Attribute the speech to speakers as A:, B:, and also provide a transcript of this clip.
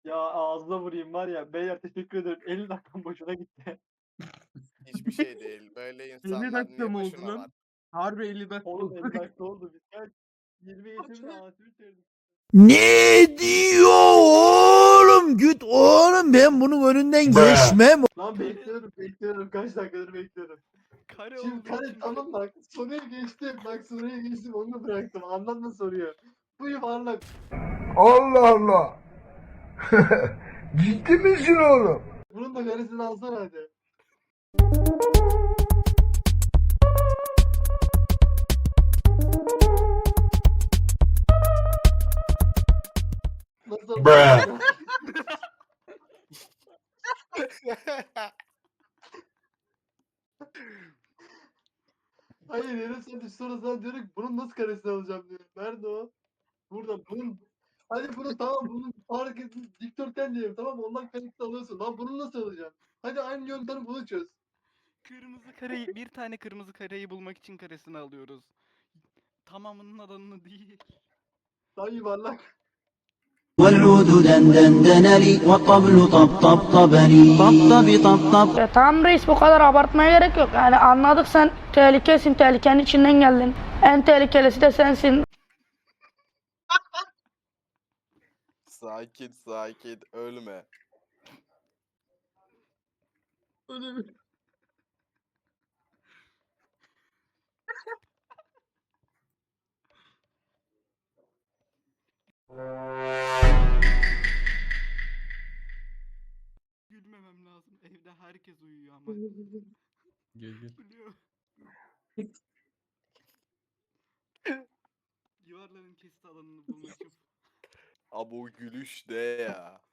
A: Ya ağzına vurayım var ya. Beyler teşekkür ederim. 50 dakikam boşuna gitti.
B: Hiçbir şey değil. Böyle
C: 50
B: insanlar
C: dakika
B: niye
C: mı oldu
B: başına var?
C: lan? Harbi 50 dakika
A: Oğlum
C: oldu.
A: 50 dakika oldu. Biz kaç? 20 geçe bile ağzını bitirdik.
D: Ne diyor oğlum? Güt oğlum, ben bunun önünden geçmem.
A: Lan bekliyorum. Kaç dakikadır bekliyorum.
E: Kare
A: Şimdi
E: olduğu
A: kare
E: için
A: tamam bak. Soruya geçtim. Bak soruya geçtim. Onu bıraktım. Anlatma soruyu. Bu yuvarlak.
F: Allah Allah. Ciddi misin oğlum?
A: Bunun da karesini alsana hadi. Nasıl? Hayır yarım saat sonra sana diyorum ki bunun nasıl karesini alacağım diyor. Nerede o? Burada bunun. Hadi bunu tamam bunun fark etsin. Dikdörtgen diyelim tamam mı? Ondan karesini alıyorsun. Lan bunu nasıl alacağım? Hadi aynı yöntemi bunu çöz.
E: kırmızı kareyi bir tane kırmızı kareyi bulmak için karesini alıyoruz. Tamamının alanını değil.
A: Daha yuvarlak.
D: والعود دندن دنلي والطبل طبطب طبلي طبطب طبطب.
G: Tamam reis, bu kadar abartmaya gerek yok. Yani anladık, sen tehlikesin, tehlikenin içinden geldin. En tehlikelisi de sensin.
B: Sakin sakin ölme.
E: Gülmemem lazım. Evde herkes uyuyor ama.
C: Gel gel.
E: Gülüyor. Yuvarların kesit alanını bulmak için.
B: Abi o gülüş ne ya?